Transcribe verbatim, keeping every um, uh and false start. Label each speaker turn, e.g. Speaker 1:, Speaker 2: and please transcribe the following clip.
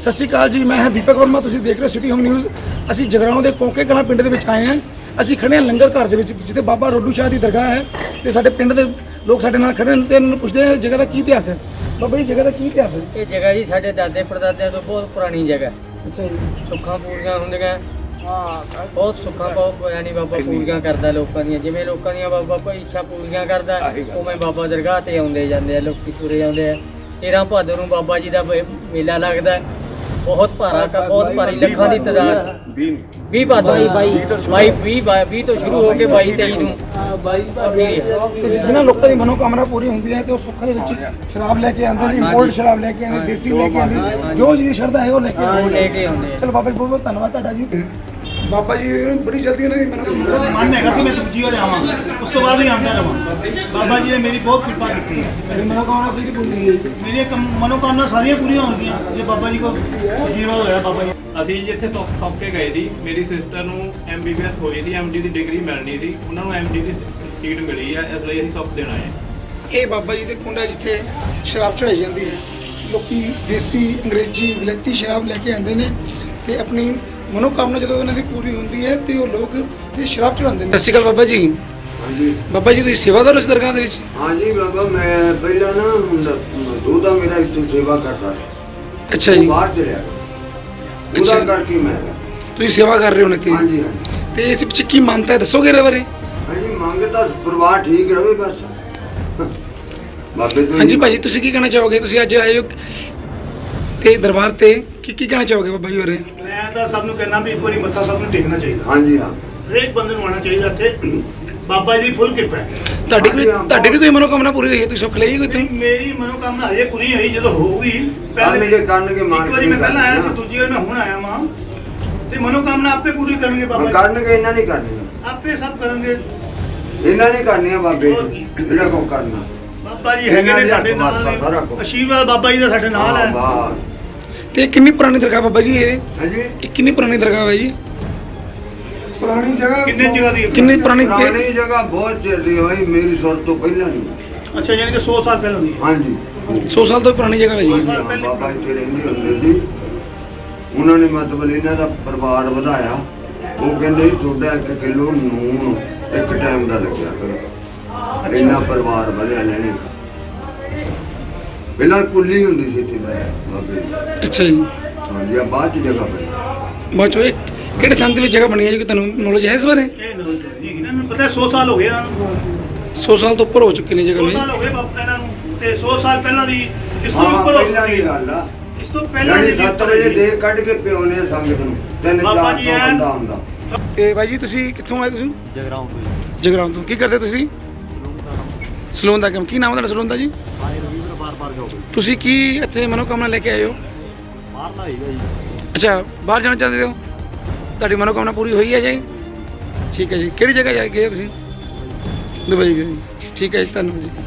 Speaker 1: ਸਤਿ ਸ਼੍ਰੀ ਅਕਾਲ ਜੀ, ਮੈਂ ਹਾਂ ਦੀਪਕ ਵਰਮਾ। ਤੁਸੀਂ ਦੇਖ ਰਹੇ ਹੋ ਸਿਟੀ ਹੋਮ ਨਿਊਜ਼। ਅਸੀਂ ਜਗਰਾਓਂ ਦੇ ਕੋਕੇ ਕਲਾਂ ਪਿੰਡ ਦੇ ਵਿੱਚ ਆਏ ਹਾਂ। ਅਸੀਂ ਖੜੇ ਹਾਂ ਲੰਗਰ ਘਰ ਦੇ ਵਿੱਚ, ਜਿੱਥੇ ਬਾਬਾ ਰੋਡੂ ਸ਼ਾਹ ਦੀ ਦਰਗਾਹ ਹੈ ਤੇ ਸਾਡੇ ਪਿੰਡ ਦੇ ਲੋਕ ਸਾਡੇ ਨਾਲ ਖੜੇ ਨੇ ਤੇ ਇਹਨਾਂ ਨੂੰ ਪੁੱਛਦੇ ਹਾਂ ਜਗ੍ਹਾ ਦਾ ਕੀ ਇਤਿਹਾਸ ਹੈ। ਬਾਬਾ ਜੀ, ਜਗ੍ਹਾ ਦਾ ਕੀ ਇਤਿਹਾਸ ਹੈ?
Speaker 2: ਇਹ ਜਗ੍ਹਾ ਜੀ ਸਾਡੇ ਦਾਦੇ ਪੜਦਾਦਿਆਂ ਤੋਂ ਬਹੁਤ ਪੁਰਾਣੀ ਜਗ੍ਹਾ।
Speaker 1: ਅੱਛਾ ਜੀ।
Speaker 2: ਸੁੱਖਾਂ ਪੂਰੀਆਂ ਹੁੰਦੀਆਂ, ਬਹੁਤ ਸੁੱਖਾਂ ਬਹੁਤ ਯਾਨੀ ਬਾਬਾ ਪੂਰੀਆਂ ਕਰਦਾ ਲੋਕਾਂ ਦੀਆਂ। ਜਿਵੇਂ ਲੋਕਾਂ ਦੀਆਂ ਬਾਬਾ ਕੋਈ ਇੱਛਾ ਪੂਰੀਆਂ ਕਰਦਾ, ਉਵੇਂ ਬਾਬਾ ਦਰਗਾਹ ਤੇ ਆਉਂਦੇ ਜਾਂਦੇ ਆ, ਲੋਕੀ ਤੁਰੇ ਆਉਂਦੇ ਆ। ਤੇਰਾਂ ਭਾਦੋਂ ਨੂੰ ਬਾਬਾ ਜੀ ਦਾ ਮੇਲਾ ਲੱਗਦਾ, ਬਹੁਤ ਭਾਰਾ, ਬਹੁਤ ਭਾਰੀ, ਲੱਖਾਂ ਦੀ ਤਾਦਾਦ। ਵੀਹ ਭਾਦੋਂ ਬਾਈ ਵੀਹ ਵੀਹ ਤੋਂ ਸ਼ੁਰੂ ਹੋ ਕੇ ਬਾਈ ਤੇਈ ਨੂੰ
Speaker 1: ਤੇ ਜਿਹਨਾਂ ਲੋਕਾਂ ਦੀ ਮਨੋਕਾਮਨਾ ਪੂਰੀ ਹੁੰਦੀ ਹੈ ਤੇ ਉਹ ਸੁੱਖਾਂ ਦੇ ਵਿੱਚ ਸ਼ਰਾਬ ਲੈ ਕੇ ਆਉਂਦੇ ਨੇ, ਇੰਪੋਰਟ ਸ਼ਰਾਬ ਲੈ ਕੇ ਆਉਂਦੇ, ਦੇਸੀ ਲੈ ਕੇ ਆਉਂਦੇ, ਜੋ ਜਿਹਦੀ ਸ਼ਰਧਾ ਹੈ ਉਹ ਲੈ ਕੇ ਆਉਂਦੇ
Speaker 2: ਲੈ ਕੇ ਆਉਂਦੇ ਆ।
Speaker 1: ਚਲੋ ਬਾਬਾ ਜੀ, ਬਹੁਤ ਬਹੁਤ ਧੰਨਵਾਦ ਤੁਹਾਡਾ ਜੀ। ਬਾਬਾ ਜੀ ਬੜੀ ਜਲਦੀ ਉਹਨਾਂ ਦੀ ਮਨੋਕਾਮਨਾ
Speaker 3: ਮਨ ਹੈਗਾ ਸੀ ਮੈਂ ਦੂਜੀ ਵਾਰ ਆਵਾਂ, ਉਸ ਤੋਂ ਬਾਅਦ ਵੀ ਆਉਂਦਾ ਰਵਾਂ। ਬਾਬਾ ਜੀ ਨੇ ਮੇਰੀ ਬਹੁਤ ਕਿਰਪਾ ਕੀਤੀ ਹੈ।
Speaker 1: ਮੇਰੀ ਮਨੋਕਾਮਨਾ ਪੂਰੀ ਪੂਰੀ ਹੋਈ ਹੈ।
Speaker 3: ਮੇਰੀਆਂ ਕਮ- ਮਨੋਕਾਮਨਾ ਸਾਰੀਆਂ ਪੂਰੀਆਂ ਹੋਣਗੀਆਂ ਜੇ ਬਾਬਾ ਜੀ ਕੋਲ ਜੀਵਾ ਹੋਇਆ। ਬਾਬਾ ਜੀ
Speaker 4: ਅਸੀਂ ਜਿੱਥੇ ਤੋਂ ਸੌਂਪ ਕੇ ਗਏ ਸੀ, ਮੇਰੀ ਸਿਸਟਰ ਨੂੰ ਐਮ ਬੀ ਬੀ ਐਸ ਹੋਈ ਸੀ, ਐਮ ਡੀ ਦੀ ਡਿਗਰੀ ਮਿਲਣੀ ਸੀ, ਉਹਨਾਂ ਨੂੰ ਐਮ ਡੀ ਦੀ ਸੀਟ ਮਿਲੀ ਹੈ, ਇਸ ਲਈ ਅਸੀਂ ਸੌਂਪ ਦੇਣ ਆਏ ਹਾਂ।
Speaker 1: ਇਹ ਬਾਬਾ ਜੀ ਦੇ ਕੁੰਡ ਹੈ ਜਿੱਥੇ ਸ਼ਰਾਬ ਚੜਾਈ ਜਾਂਦੀ ਹੈ। ਲੋਕੀ ਦੇਸੀ, ਅੰਗਰੇਜ਼ੀ, ਵਿਲੈਤੀ ਸ਼ਰਾਬ ਲੈ ਕੇ ਆਉਂਦੇ ਨੇ ਤੇ ਆਪਣੀ ਮਨੋਕਾਮਨਾ ਜਦੋਂ ਉਹਨਾਂ ਦੀ ਪੂਰੀ ਹੁੰਦੀ ਹੈ ਤੇ ਉਹ ਲੋਕ ਇਹ ਸ਼ਰਾਬ ਚੜਾਉਂਦੇ ਨੇ। ਸਤਿ ਸ਼੍ਰੀ ਅਕਾਲ ਬਾਬਾ ਜੀ।
Speaker 5: ਹਾਂਜੀ
Speaker 1: ਬਾਬਾ ਜੀ, ਤੁਸੀਂ ਸੇਵਾਦਾਰ ਹੋ ਇਸ ਦਰਗਾਹ ਦੇ ਵਿੱਚ?
Speaker 5: ਹਾਂਜੀ ਬਾਬਾ, ਮੈਂ ਪਹਿਲਾਂ ਨਾ ਉਹਦਾ ਮੇਰਾ ਇੱਥੇ ਸੇਵਾ ਕਰਦਾ ਸੀ।
Speaker 1: ਅੱਛਾ
Speaker 5: ਉਹ
Speaker 1: ਜੀ।
Speaker 5: ਬਾਹਰ ਚਲਿਆ
Speaker 1: ਅੱਛਾ
Speaker 5: ਉਹਦਾ
Speaker 1: ਜੀ।
Speaker 5: ਕਰਕੇ ਮੈਂ
Speaker 1: ਤੁਸੀਂ ਸੇਵਾ ਕਰ ਰਹੇ ਹੋ ਇੱਥੇ?
Speaker 5: ਹਾਂਜੀ ਹਾਂਜੀ
Speaker 1: ਤੇ ਇਸ ਪਿੱਛੇ ਕੀ ਮੰਨਤਾ ਹੈ, ਦੱਸੋਗੇ ਇਹਦੇ ਬਾਰੇ?
Speaker 5: ਹਾਂਜੀ, ਮੰਗਦਾ ਪਰਿਵਾਰ ਠੀਕ ਰਵੇ ਬਸ। ਬਾਬੇ ਤੋਂ
Speaker 1: ਹਾਂਜੀ ਭਾਜੀ, ਤੁਸੀਂ ਕੀ ਕਹਿਣਾ ਚਾਹੋਗੇ? ਤੁਸੀਂ ਅੱਜ ਆਏ ਹੋ ਤੇ ਦਰਬਾਰ ਤੇ ਕੀ ਕੀ ਕਹਿਣਾ ਚਾਹੋਗੇ ਬਾਬਾ ਜੀ ਬਾਰੇ?
Speaker 3: ਮੈਂ ਤਾਂ ਸਭ ਨੂੰ ਕਹਿਣਾ ਵੀ ਇੱਕ ਵਾਰੀ ਮੱਥਾ ਸਭ ਨੂੰ ਟੇਕਣਾ ਚਾਹੀਦਾ।
Speaker 5: ਹਾਂਜੀ ਹਾਂ,
Speaker 3: ਹਰੇਕ ਬੰਦੇ ਨੂੰ ਆਉਣਾ ਚਾਹੀਦਾ ਇੱਥੇ। ਬਾਬਾ ਜੀ ਫੁੱਲ ਕਿਰਪਾ ਹੈ।
Speaker 1: ਤੁਹਾਡੀ ਕੋਈ ਤੁਹਾਡੀ ਵੀ ਕੋਈ ਮਨੋਕਾਮਨਾ ਪੂਰੀ ਹੋਈ ਹੈ? ਤੁਸੀਂ ਸੁੱਖ ਲਈ ਕੋਈ ਇੱਥੋਂ?
Speaker 3: ਮੇਰੀ ਮਨੋਕਾਮਨਾ ਹਜੇ ਪੂਰੀ ਹੋਈ, ਜਦੋਂ ਹੋਊਗੀ
Speaker 5: ਕੱਲ੍ਹ ਮੇਰੇ ਕਰਨਗੇ ਮਾਨ
Speaker 3: ਇੱਕ ਵਾਰੀ ਮੈਂ ਪਹਿਲਾਂ ਆਇਆ ਸੀ, ਦੂਜੀ ਵਾਰ ਮੈਂ ਹੁਣ ਆਇਆ ਵਾਂ ਤੇ ਮਨੋਕਾਮਨਾ ਆਪੇ ਪੂਰੀ ਕਰਨਗੇ ਬਾਬਾ ਜੀ।
Speaker 5: ਕਰਨਗੇ, ਇਹਨਾਂ ਨਹੀਂ ਕਰਨੀ,
Speaker 3: ਆਪੇ ਸਭ ਕਰਨਗੇ।
Speaker 5: ਇਹਨਾਂ ਨਹੀਂ ਕਰਨੀਆਂ ਬਾਬੇ ਨੇ, ਜਿਹੜਾ ਕੋ ਕਰਨਾ।
Speaker 3: ਬਾਬਾ ਜੀ ਹੈਗੇ ਨੇ ਸਾਡੇ ਨਾਲ, ਆਸ਼ੀਰਵਾਦ ਬਾਬਾ ਜੀ ਦਾ ਸਾਡੇ ਨਾਲ ਹੈ।
Speaker 5: ਵਾਹ।
Speaker 1: ਤੇ ਕਿੰਨੀ ਪੁਰਾਣੀ ਦਰਗਾਹ ਬਾਬਾ ਜੀ ਇਹ?
Speaker 5: ਹਾਂਜੀ,
Speaker 1: ਇਹ ਕਿੰਨੀ ਪੁਰਾਣੀ ਦਰਗਾਹ ਹੈ ਜੀ?
Speaker 5: ਪੁਰਾਣੀ ਜਗ੍ਹਾ
Speaker 3: ਕਿੰਨੇ ਜਗ੍ਹਾ ਦੀ ਹੈ?
Speaker 1: ਕਿੰਨੀ ਪੁਰਾਣੀ?
Speaker 5: ਪੁਰਾਣੀ ਜਗ੍ਹਾ ਬਹੁਤ ਚਿਰ ਦੀ ਹੋਈ, ਮੇਰੀ ਸੁਰ ਤੋਂ ਪਹਿਲਾਂ ਦੀ।
Speaker 3: ਅੱਛਾ, ਯਾਨੀ ਕਿ ਸੌ ਸਾਲ ਪਹਿਲਾਂ ਦੀ।
Speaker 5: ਹਾਂਜੀ,
Speaker 1: ਸੌ ਸਾਲ ਤੋਂ ਪੁਰਾਣੀ ਜਗ੍ਹਾ ਹੈ ਜੀ।
Speaker 5: ਹਾਂਜੀ, ਹਾਂ, ਬਾਬਾ ਇੱਥੇ ਰਹਿੰਦੇ ਹੁੰਦੇ ਸੀ। ਉਹਨਾਂ ਨੇ ਮਤਲਬ ਇਹਨਾਂ ਦਾ ਪਰਿਵਾਰ ਵਧਾਇਆ। ਉਹ ਕਹਿੰਦੇ ਸੀ ਤੁਹਾਡਾ ਇੱਕ ਕਿਲੋ ਨੂਨ ਇੱਕ ਟਾਈਮ ਦਾ ਲੱਗਿਆ ਕਰੋ। ਇੰਨਾ ਪਰਿਵਾਰ ਵਧਿਆ ਲੈਣੇ। ਪਹਿਲਾਂ ਕੁੱਲੀ ਹੁੰਦੀ ਸੀ ਇੱਥੇ ਬਾਬੇ ਦੀ।
Speaker 1: ਅੱਛਾ ਜੀ।
Speaker 5: ਹਾਂਜੀ, ਆ ਬਾਅਦ ਚ ਜਗ੍ਹਾ ਬਣੀ।
Speaker 1: ਬਾਅਦ ਚੋਂ ਇਹ ਕਿਹੜੇ ਸੰਤ ਵਿੱਚ ਜਗ੍ਹਾ ਬਣੀ ਹੈ ਜੀ? ਕੋਈ ਤੁਹਾਨੂੰ ਨੌਲੇਜ ਹੈ ਇਸ ਬਾਰੇ?
Speaker 3: ਇਹ ਨੌਲੇਜ ਨਹੀਂ ਹੈਗੀ ਨਾ, ਮੈਨੂੰ ਪਤਾ ਸੌ ਸਾਲ ਹੋ ਗਏ ਇਹਨਾਂ ਨੂੰ।
Speaker 1: ਸੌ ਸਾਲ ਤੋਂ ਉੱਪਰ ਹੋ ਚੁੱਕੇ ਨੇ ਜਗ੍ਹਾ
Speaker 3: ਸੌ
Speaker 1: ਨੂੰ।
Speaker 3: ਸਾਲ ਹੋ ਗਏ ਬਾਬਾ ਇਹਨਾਂ ਨੂੰ ਤੇ ਸੌ ਸਾਲ ਪਹਿਲਾਂ ਦੀ, ਇਸ ਤੋਂ
Speaker 5: ਹਾਂ,
Speaker 3: ਉੱਪਰ ਹੋ
Speaker 5: ਪਹਿਲਾਂ ਦੀ
Speaker 3: ਚੁੱਕੀ ਹੈ।
Speaker 5: ਗੱਲ ਆ।
Speaker 3: ਇਸ ਤੋਂ ਪਹਿਲਾਂ
Speaker 5: ਯਾਨੀ
Speaker 3: ਦੀ
Speaker 5: ਸੱਤ ਵਜੇ ਦੇ ਕੱਢ ਕੇ ਪਿਉਨੇ ਆ ਸੰਗਤ ਨੂੰ, ਤਿੰਨ
Speaker 3: ਬਾਬਾ
Speaker 5: ਚਾਰ
Speaker 3: ਜੀ
Speaker 5: ਸੌ
Speaker 3: ਐਨ-
Speaker 5: ਬੰਦਾ ਹੁੰਦਾ।
Speaker 1: ਤੇ ਬਾਈ ਜੀ, ਤੁਸੀਂ ਕਿੱਥੋਂ ਆਏ? ਤੁਸੀਂ
Speaker 6: ਜਗਰਾਉਂ ਤੋਂ ਜੀ।
Speaker 1: ਜਗਰਾਉਂ ਤੋਂ। ਕੀ ਕਰਦੇ ਤੁਸੀਂ?
Speaker 6: ਸਲੂਨ ਦਾ ਨਾਮ
Speaker 1: ਸਲੂਨ ਦਾ ਕੰਮ। ਕੀ ਨਾਮ ਹੈ ਤੁਹਾਡਾ ਸਲੂਨ ਦਾ ਜੀ?
Speaker 6: ਆਏ ਰਵੀਂਦਰ ਬਾਰ ਬਾਰ ਜਾਓਗੇ।
Speaker 1: ਤੁਸੀਂ ਕੀ ਇੱਥੇ ਮਨੋਕਾਮਨਾ ਲੈ ਕੇ ਆਏ ਹੋ?
Speaker 6: ਬਾਹਰਲਾ ਹੈਗਾ ਜੀ।
Speaker 1: ਅੱਛਾ, ਬਾਹਰ ਜਾਣਾ ਚਾਹੁੰਦੇ ਹੋ? ਤੁਹਾਡੀ ਮਨੋਕਾਮਨਾ ਪੂਰੀ ਹੋਈ ਹੈ ਜੀ? ਠੀਕ ਹੈ ਜੀ। ਕਿਹੜੀ ਜਗ੍ਹਾ ਜਾ ਗਏ ਤੁਸੀਂ? ਦੁਬਈ ਗਏ। ਠੀਕ ਹੈ ਜੀ, ਧੰਨਵਾਦ ਜੀ।